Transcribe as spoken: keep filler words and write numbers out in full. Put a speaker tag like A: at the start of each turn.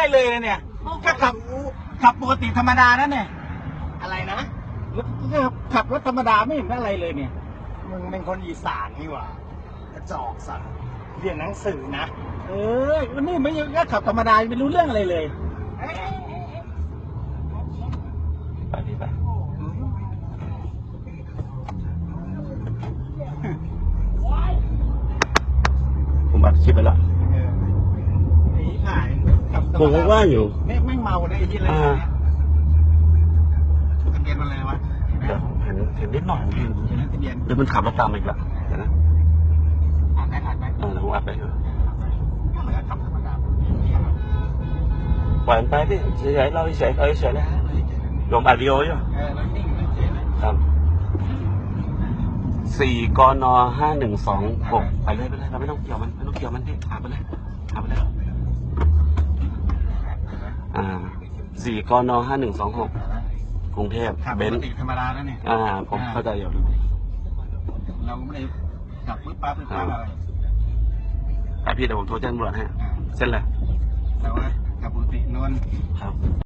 A: อะไรเลยเนี่ยก็ขับขับปกติธรรมดานั่นเนี่ย
B: อะไรนะ
A: ขับรถธรรมดาไม่เห็นอะไรเลยเนี่ย
B: มึงเป็นคนอีสานนี่หว่ากระจอกสัตว์เรียนหนังสือนะ
A: เออวันนี้ไม่ยังก็ขับธรรมดาไม่รู้เรื่องอะไรเลย
C: ไปดีไปผมอัดคลิปไปแล้ว
A: ไอ้ถ่าย
C: ผมก็ว่าอยู่
A: แม่งแม่งเมาได้ที่อะไรเนี่ยทะเบียนอะไรวะ
C: เห็นเห็นนิดหน่อยเห็น
A: ทะเบียน
C: เดี๋ยวมันขับมาตามอีกแล้วเดี๋ยวนะ
A: อ่านได้อ่านได้
C: เออผมอัดไปอยู่
A: ก็เหมือนขับธรรมดา
C: ปล่อยมันไปพี่เฉยๆเราเฉยๆเราเฉยๆนะลงอัดวิดีโออยู่
A: เออแล้วนิ่งแล้วเฉยเลย
C: ครับสี่กนห้าหนึ่งสองหกไปเลยไปเลยเราไม่ต้องเกี่ยวมันไม่ต้องเกี่ยวมันพี่หาไปเลยหาไปเลยอ่าสี่กนห้าหนึ่งสองหกกรุงเทพ
A: ขับ
C: เบ
A: ป
C: น
A: ก
C: ซ์
A: ติธรรมดาแล้วเนี่ย
C: อ่าผมเข้าใจอยู่
A: เราไม่ได้ขับปึ๊บปั๊บปึ๊บปั๊บอะไร
C: ไอพี่เดี๋ยวผมโทรแจ้งตำรวจให้เส้นอะไร
A: แต่ว่าขับปกตินวล
C: ครับ